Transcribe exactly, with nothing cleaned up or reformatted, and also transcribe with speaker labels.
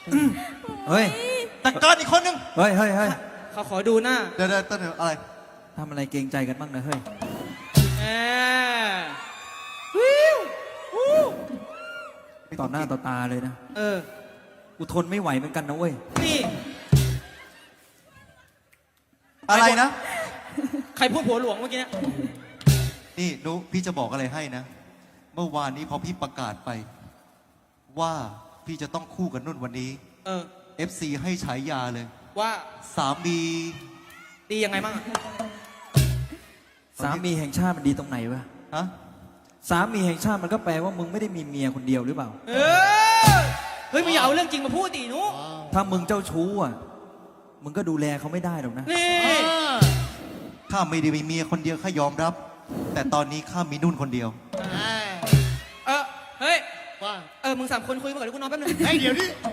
Speaker 1: เฮ้ย
Speaker 2: จัดการอีกคนนึง
Speaker 1: เฮ้ยเฮ้ยเฮ้ย
Speaker 3: เขาขอดูหน้า
Speaker 2: เดี๋ยวเดี๋ยวเดี๋ยวอะไร
Speaker 1: ทำอะไรเกรงใจกันบ้างนะเฮ้ย
Speaker 3: แหมวิววู้
Speaker 1: ต่อหน้าต่อตาเลยนะ
Speaker 3: เออ
Speaker 1: กูทนไม่ไหวเหมือนกันนะเว้ย
Speaker 3: นี่
Speaker 2: อะไรนะ
Speaker 3: ใครพูดผัวหลวงเมื่อกี้เนี่ย
Speaker 2: นี่นุพี่จะบอกอะไรให้นะ เมื่อวานนี้พอพี่ประกาศไป ว่าพี่จะต้องคู่กับนุ่นวันนี้
Speaker 3: เออ
Speaker 2: เอฟ ซี ให้ฉายาเลย
Speaker 3: ว่า
Speaker 2: สามี
Speaker 3: ดียังไงบ้างอะ
Speaker 1: สามีแห่งชาติมันดีตรงไหนวะ
Speaker 2: ฮะ
Speaker 1: สามีแห่งชาติมันก็แปลว่ามึงไม่ได้มีเมียคนเดียวหรือเปล่า
Speaker 3: เออเฮ้ยมึงอย่าเอาเรื่องจริงมาพูดดิหนุ
Speaker 1: ถ้ามึงเจ้าชู้อ่ะ มึงก็ดูแลเขาไม่ได้หรอกนะ
Speaker 3: นี่
Speaker 2: ข้าไม่ได้มีเมียคนเดียวข้ายอมรับ แต่ตอนนี้ข้ามีนุ่นคนเดียว
Speaker 3: เออเฮ้ย
Speaker 4: ว่า
Speaker 3: เออมึงสามคนคุยมาก่อนเดี๋ยวกูนอนแป๊บนึง
Speaker 4: ไอ้เดี๋ยวนี้